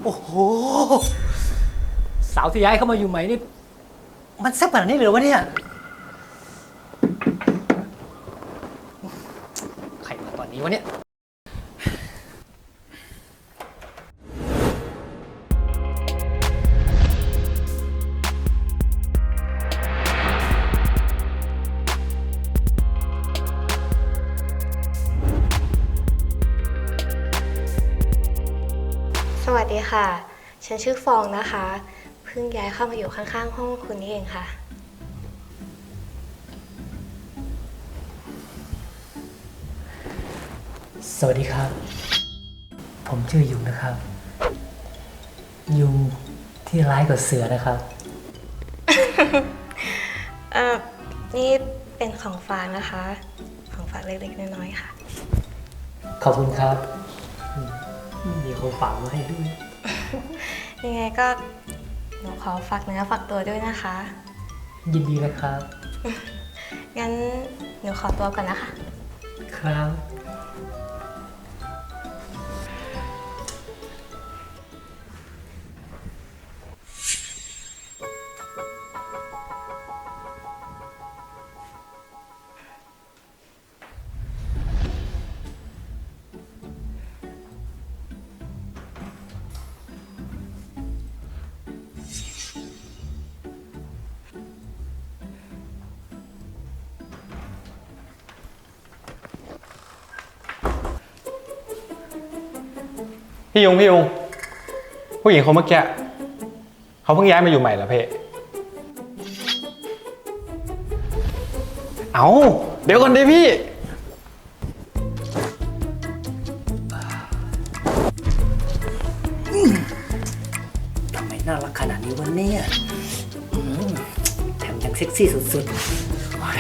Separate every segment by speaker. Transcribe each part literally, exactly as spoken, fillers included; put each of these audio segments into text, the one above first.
Speaker 1: โอ้โหสาวที่ย้ายเข้ามาอยู่ใหม่นี่มันแซ่บขนาดนี้เลยเหรอวะเนี่ยใครมาตอนนี้วะเนี่ย
Speaker 2: สวัสดีค่ะ ฉันชื่อฟองนะคะ เพิ่งย้ายเข้ามาอยู่ข้างๆห้องคุณนี่เองค่ะ
Speaker 1: สวัสดีครับผมชื่อยุงนะครับ ยุงที่ร้ายกว่าเสือนะครับ
Speaker 2: เอ่อ นี่เป็นของฝากนะคะ ของฝากเล็กๆน้อยๆค่ะ
Speaker 1: ขอบคุณครับมีคนฝากมาให้ด้วย
Speaker 2: ยังไงก็หนูขอฝากเนื้อฝากตัวด้วยนะคะ
Speaker 1: ยินดีนะครับ
Speaker 2: งั้นหนูขอตัวก่อนนะคะ
Speaker 1: ครับ
Speaker 3: พี่ยุงพี่ยุงผู้หญิงคนเมื่อกี้เขาเพิ่งย้ายมาอยู่ใหม่เหรอเพ่เอาเดี๋ยวก่อนดิพี่
Speaker 1: ทำไมน่ารักขนาดนี้วะเนี่ยอืมแถมยังเซ็กซี่สุดๆโอ้ย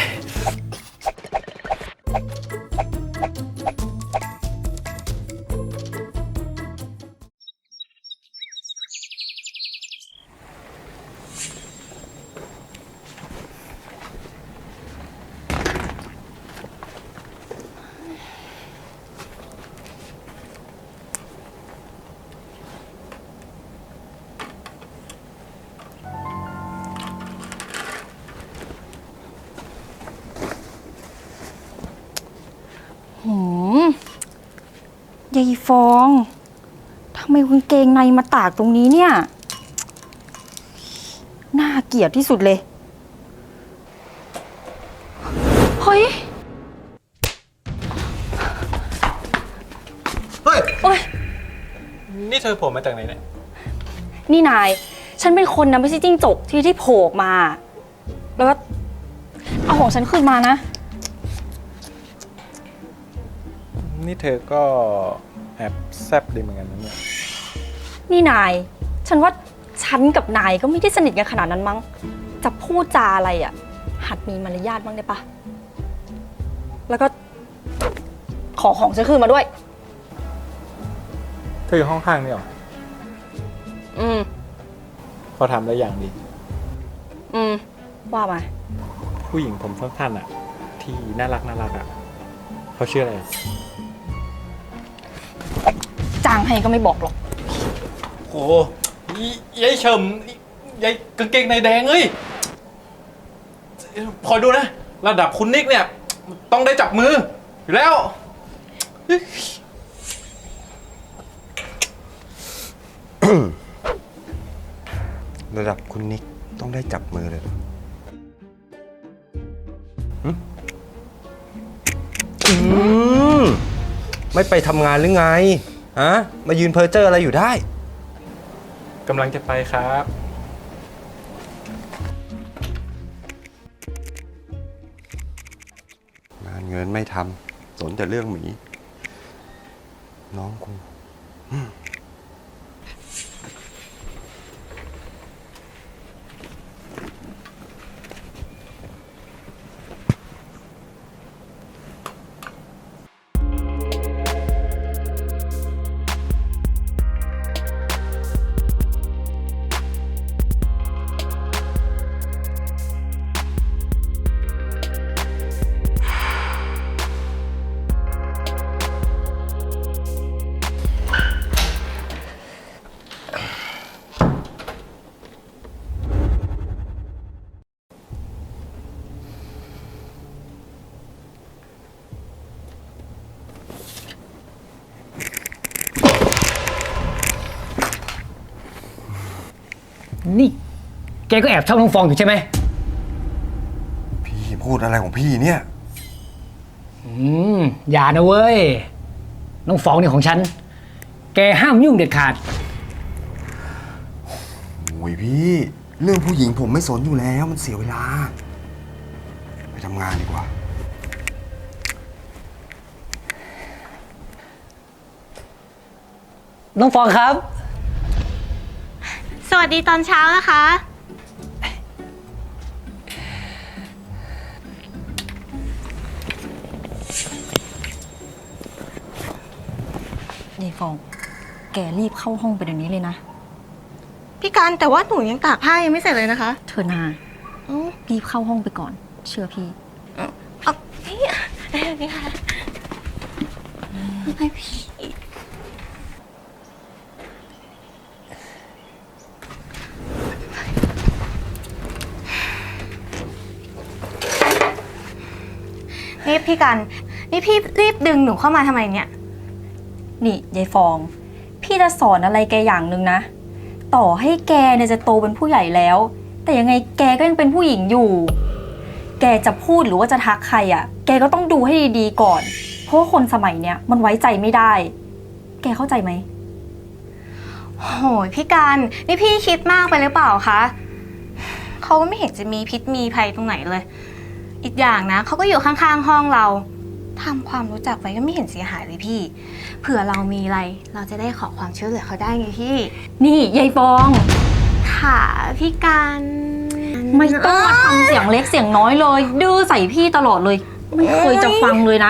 Speaker 4: หืมยายฟองทำไมกางเกงในมาตากตรงนี้เนี่ย น่าเกลียดที่สุดเลย เฮ้ย
Speaker 3: เฮ้ย
Speaker 4: โอ๊ย
Speaker 3: นี่เธอโผล่มาจากไหนเนี่ย
Speaker 4: นี่นาย ฉันเป็นคนนะไม่ใช่จิ้งจกที่ที่โผล่ออกมา แล้วก็เอาของฉันคืนมานะ
Speaker 3: นี่เธอก็แอบแซบดีเหมือนกันนะเนี่ย
Speaker 4: นี่นาย ฉันว่าฉันกับนายก็ไม่ได้สนิทกันขนาดนั้นมั้ง จะพูดจาอะไรอ่ะ หัดมีมารยาทบ้างได้ปะ แล้วก็ขอของฉันคืนมาด้วย
Speaker 3: เธออยู่ห้องข้างนี่หรอ
Speaker 4: อืม
Speaker 3: เขาทำได้อย่างดี
Speaker 4: อืม ว่ามา
Speaker 3: ผู้หญิงผมสั้นๆอ่ะ ที่น่ารักน่ารักอ่ะเขาชื่ออะไร
Speaker 4: จ้างให้ก็ไม่บอกหรอก
Speaker 3: โอ้ยายเฉิมยายกางเกงในแดงเอ้ยคอยดูนะระดับคุณนิกเนี่ยต้องได้จับมืออยู่แล้ว
Speaker 5: ระดับคุณนิกต้องได้จับมือเลยเหรอหึอืมไม่ไปทำงานหรือไงฮะมายืนเพ้อเจ้ออะไรอยู่ได้
Speaker 3: กำลังจะไปครับ
Speaker 5: งานเงินไม่ทำสนแต่เรื่องหมี น้องกู
Speaker 1: นี่ แกก็แอบชอบน้องฟองอยู่ใช่ไหม
Speaker 5: พี่พูดอะไรของพี่เนี่ย
Speaker 1: อืม อย่านะเว้ย น้องฟองเนี่ยของฉัน แกห้ามยุ่งเด็ดขาด
Speaker 5: โอ้ยพี่ เรื่องผู้หญิงผมไม่สนอยู่แล้วมันเสียเวลา ไปทำงานดีกว่า
Speaker 1: น้องฟองครับ
Speaker 2: สวัสดีตอนเช้านะคะ
Speaker 4: ยายฟอง แกรีบเข้าห้องไปเดี๋ยวนี้เลยนะ
Speaker 2: พี่การแต่ว่าหนูยังตากผ้ายังไม่เสร็จเลยนะคะ
Speaker 4: เธอนา
Speaker 2: อ๋อ
Speaker 4: รีบเข้าห้องไปก่อน เชื่อพี่
Speaker 2: เอาพี่พี่ค่ะให้พี่ นี่พี่กัน นี่พี่รีบดึงหนูเข้ามาทำไมเนี่ย
Speaker 4: นี่ยายฟอง พี่จะสอนอะไรแกอย่างหนึ่งนะ ต่อให้แกเนี่ยจะโตเป็นผู้ใหญ่แล้ว แต่ยังไงแกก็ยังเป็นผู้หญิงอยู่ แกจะพูดหรือว่าจะทักใครอะ่ะ แกก็ต้องดูให้ดีๆก่อน เพราะว่าคนสมัยเนี้ยมันไว้ใจไม่ได้ แกเข้าใจไหม
Speaker 2: โหยพี่การนี่พี่คิดมากไปหรือเปล่าคะเขาก็ไม่เห็นจะมีพิษมีภัยตรงไหนเลย อีกอย่างนะเขาก็อยู่ข้างๆห้องเราทำความรู้จักไว้ก็ไม่เห็นเสียหายเลยพี่ เผื่อเรามีอะไรเราจะได้ขอความช่วยเหลือเขาได้ไงพี่
Speaker 4: นี่ยายฟอง
Speaker 2: ค่ะพี่การ
Speaker 4: ไม่ต้องมาทำเสียงเล็กเสียงน้อยเลย ดื้อใส่พี่ตลอดเลย ไม่เคยจะฟังเลยนะ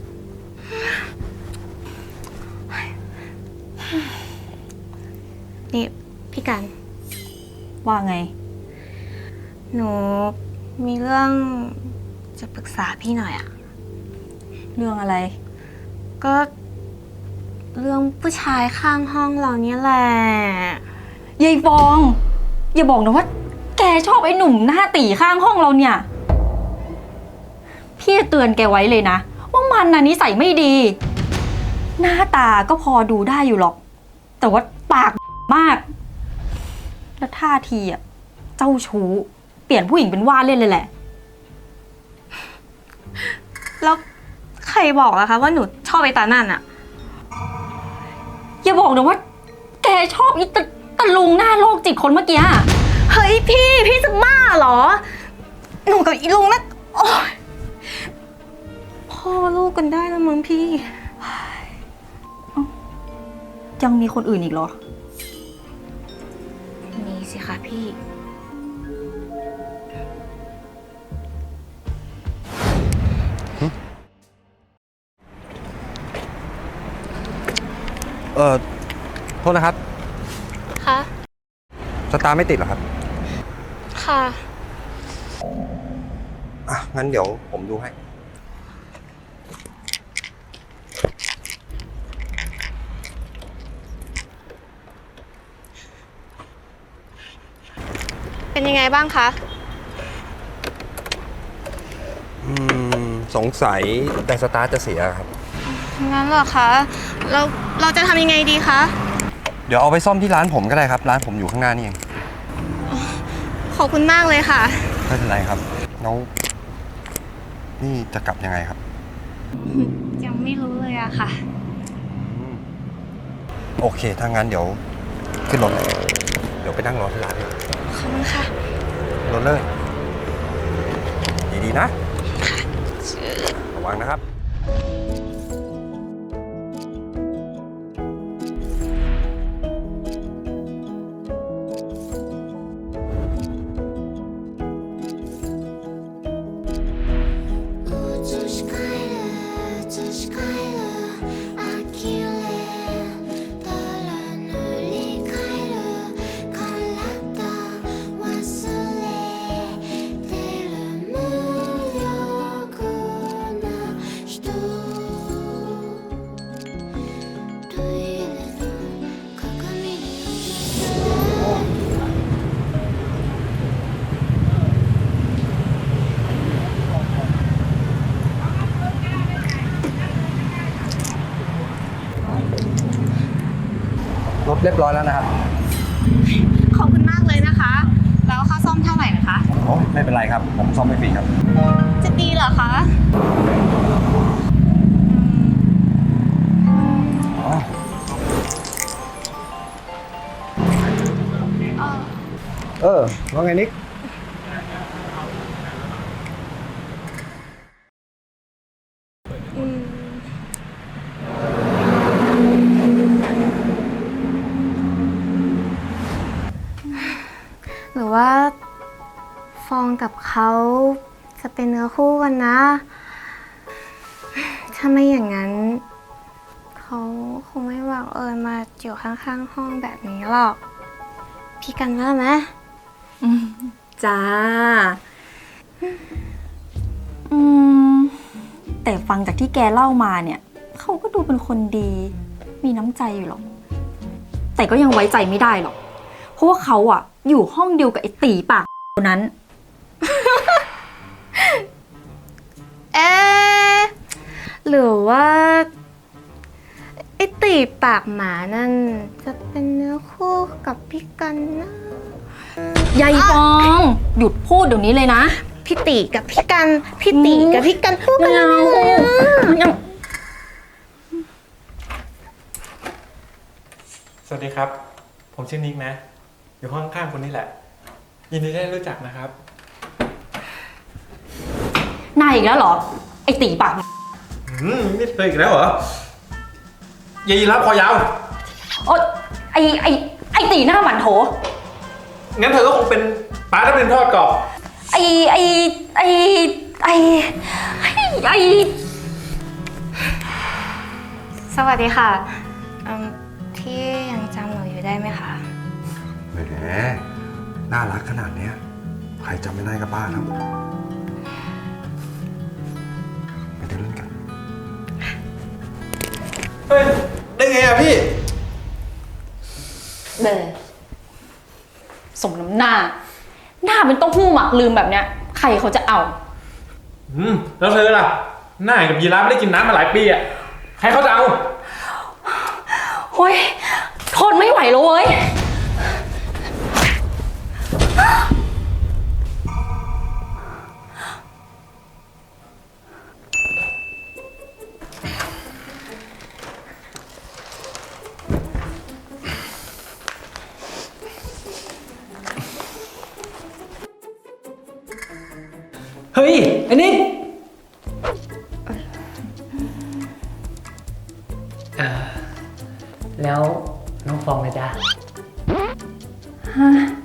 Speaker 2: นี่พี่การ
Speaker 4: ว่าไง
Speaker 2: หนูมีเรื่องจะปรึกษาพี่หน่อยอะ
Speaker 4: เรื่องอะไร
Speaker 2: ก็เรื่องผู้ชายข้างห้องเราเนี่ยแหละ
Speaker 4: ยายฟอง อย่าบอกนะว่า แกชอบไอ้หนุ่มหน้าตีข้างห้องเราเนี่ย พี่จะเตือนแกไว้เลยนะ ว่ามันน่ะนิสัยไม่ดี หน้าตาก็พอดูได้อยู่หรอก แต่ว่าปากมาก แล้วท่าทีอ่ะ เจ้าชู้ เปลี่ยนผู้หญิงเป็นว่าเล่นเลยแหละ
Speaker 2: แล้วใครบอกล่ะคะว่าหนูชอบไอ้ตานั่นอะ
Speaker 4: อย่าบอกนะว่า แกชอบอีตะตะลุงหน้าโรคจิตคนเมื่อกี้อะ
Speaker 2: เฮ้ยพี่พี่จะบ้าเหรอ หนูกับอีลุงนะโอ๊ยพ่อลูกกันได้แล้วมั้งพี่
Speaker 4: ยังมีคนอื่นอีกเหรอ
Speaker 2: มีสิคะพี่
Speaker 5: เออโทษนะครับ
Speaker 2: ค่ะ
Speaker 5: สตาร์ไม่ติดเหรอครับ
Speaker 2: ค่ะ
Speaker 5: อ่ะ งั้นเดี๋ยวผมดูให้
Speaker 2: เป็นยังไงบ้างคะ
Speaker 5: อืม สงสัยแต่สตาร์ทจะเสียครับ
Speaker 2: งั้นเหรอคะ เราเราจะทำยังไงดีคะ
Speaker 5: เดี๋ยวเอาไปซ่อมที่ร้านผมก็ได้ครับ ร้านผมอยู่ข้างหน้านี่เอง
Speaker 2: ขอบคุณมากเลยค่ะ
Speaker 5: ไม่เป็นไรครับ แล้วนี่จะกลับยังไงครับ
Speaker 2: ยังไม่รู้เลยอะค่ะ
Speaker 5: โอเค ถ้างั้นเดี๋ยวขึ้นรถเลยเดี๋ยวไปนั่งรอที่ร้านเลย
Speaker 2: ขอบคุณค่ะ
Speaker 5: รถเลย ดีๆนะระวังนะครับ
Speaker 6: 映し返る映し返る呆れたら塗り替える体忘れてる無力な人トイレの鏡に映る
Speaker 5: รถเรียบร้อยแล้วนะครับ
Speaker 2: ขอบคุณมากเลยนะคะแล้วค่าซ่อมเท่าไหร่นะคะ
Speaker 5: โอ้ไม่เป็นไรครับ ผมซ่อมไม่ฟรีครับ
Speaker 2: จะดีเหรอคะ
Speaker 5: อ๋อ เออ ว่าไงนิก
Speaker 2: หรือว่าฟองกับเขาจะเป็นเนื้อคู่กันนะ ถ้าไม่อย่างนั้น เขาคงไม่บังเอิญมาอยู่ข้างๆห้องแบบนี้หรอก พี่กันว่าไหม
Speaker 4: จ้า อืม แต่ฟังจากที่แกเล่ามาเนี่ย เขาก็ดูเป็นคนดี มีน้ำใจอยู่หรอก แต่ก็ยังไว้ใจไม่ได้หรอก เพราะว่าเขาอะอยู่ห้องเดียวกับไอ้ตีปากคนนั้น
Speaker 2: เอ๊ะหรือว่าไอตีปากหมานั่นจะเป็นเนื้อคู่กับพี่กันนะ
Speaker 4: ยายฟอง หยุดพูดเดี๋ยวนี้เลยนะ
Speaker 2: พี่ตีกับพี่กัน พี่ตีกับพี่กันคู่กัน
Speaker 4: ไม่เอา
Speaker 2: เลยอะ
Speaker 4: ยัง
Speaker 3: สวัสดีครับ ผมชื่อนิกนะ อยู่ห้องข้างๆคนนี้แหละ ยินดีได้รู้จักนะครับ
Speaker 4: นายอีกแล้วเหรอ ไอ้ตีปาก
Speaker 3: อืมนี่เธออีกแล้วเหรอ ยายรับคอยาว
Speaker 4: โอ๊ยไอ้ไอ้ไอ้ตีหน้าหมันโถ
Speaker 3: งั้นเธอก็คงเป็นปลาทับทิมทอดกรอบ
Speaker 4: ไอ้ไอ้ไอ้ไอ้ไอ้ไอ้
Speaker 2: สวัสดีค่ะอืมพี่ยังจำหนูอยู่ได้ไหมคะ
Speaker 5: แหม น่ารักขนาดเนี้ย ใครจำไม่ได้ก็บ้าแล้วไปเดินเล่นกัน
Speaker 3: เฮ้ย ได้ไงอะพี่
Speaker 4: เบอสมน้ำหน้า หน้าเป็นเต้าหู้หมักลืมแบบเนี้ย ใครเขาจะเอา
Speaker 3: อืม แล้วเธอล่ะ หน้ากับยีราฟไม่ได้กินน้ำมาหลายปีอะใครเขาจะเอา
Speaker 4: โอ้ยทนไม่ไหวแล้วเว้ย
Speaker 1: เฮ้ยไอ้นิกเอ่อแล้วน้องฟองนะจ๊ะ
Speaker 4: ฮะ